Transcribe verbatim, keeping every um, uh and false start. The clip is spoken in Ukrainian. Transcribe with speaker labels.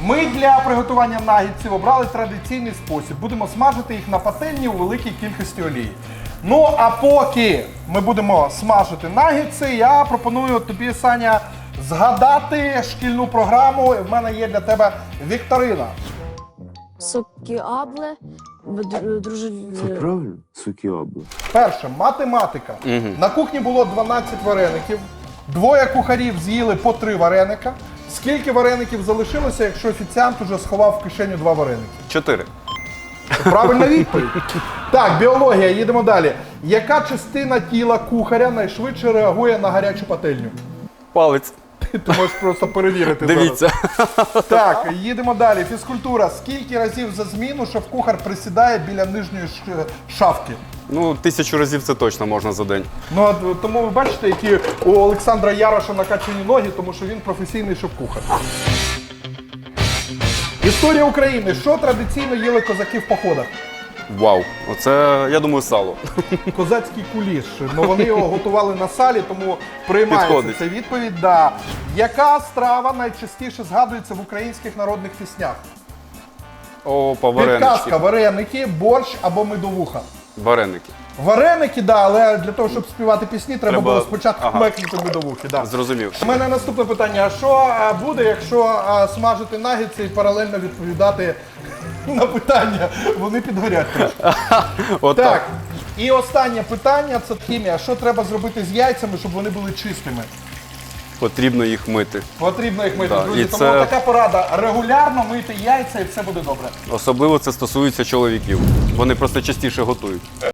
Speaker 1: Ми для приготування наггетсів обрали традиційний спосіб. Будемо смажити їх на пательні у великій кількості олії. Ну, а поки ми будемо смажити наггетси, я пропоную тобі, Саня, згадати шкільну програму. В мене є для тебе вікторина.
Speaker 2: Сокіабле, друже...
Speaker 3: Це правильно? Сукіабле.
Speaker 1: Перше, математика.
Speaker 4: Угу.
Speaker 1: На кухні було дванадцять вареників. Двоє кухарів з'їли по три вареника. Скільки вареників залишилося, якщо офіціант уже сховав в кишеню два вареники?
Speaker 4: Чотири.
Speaker 1: Правильна відповідь. Так, біологія, їдемо далі. Яка частина тіла кухаря найшвидше реагує на гарячу пательню?
Speaker 4: Палець.
Speaker 1: Ти можеш просто перевірити.
Speaker 4: Дивіться.
Speaker 1: Зараз. Так, їдемо далі. Фізкультура. Скільки разів за зміну шеф-кухар присідає біля нижньої ш- шафки?
Speaker 4: Ну, тисячу разів це точно можна за день.
Speaker 1: Ну, от, тому ви бачите, які у Олександра Яроша накачані ноги, тому що він професійний шеф-кухар. Історія України. Що традиційно їли козаки в походах?
Speaker 4: Вау. Оце, я думаю, сало.
Speaker 1: Козацький куліш. Ну, вони його готували на салі, тому приймається
Speaker 4: Підходить.
Speaker 1: ця відповідь. Да. Яка страва найчастіше згадується в українських народних піснях?
Speaker 4: Опа,
Speaker 1: Підказка,
Speaker 4: варенички.
Speaker 1: вареники, борщ або медовуха.
Speaker 4: Вареники.
Speaker 1: Вареники, да, але для того, щоб співати пісні, треба,
Speaker 4: Треба-
Speaker 1: було спочатку
Speaker 4: ага.
Speaker 1: мекнути медовухи. Да.
Speaker 4: Зрозумів.
Speaker 1: У мене наступне питання. А що а, буде, якщо а, смажити нагетси і паралельно відповідати на питання? Вони підгорять трошки.
Speaker 4: От
Speaker 1: Так.
Speaker 4: так.
Speaker 1: І останнє питання – це хімія. Що треба зробити з яйцями, щоб вони були чистими?
Speaker 4: Потрібно їх мити.
Speaker 1: Потрібно їх мити,
Speaker 4: Да,
Speaker 1: друзі.
Speaker 4: і
Speaker 1: Тому
Speaker 4: це-
Speaker 1: така порада. Регулярно мити яйця і все буде добре.
Speaker 4: Особливо це стосується чоловіків. Вони просто частіше готують.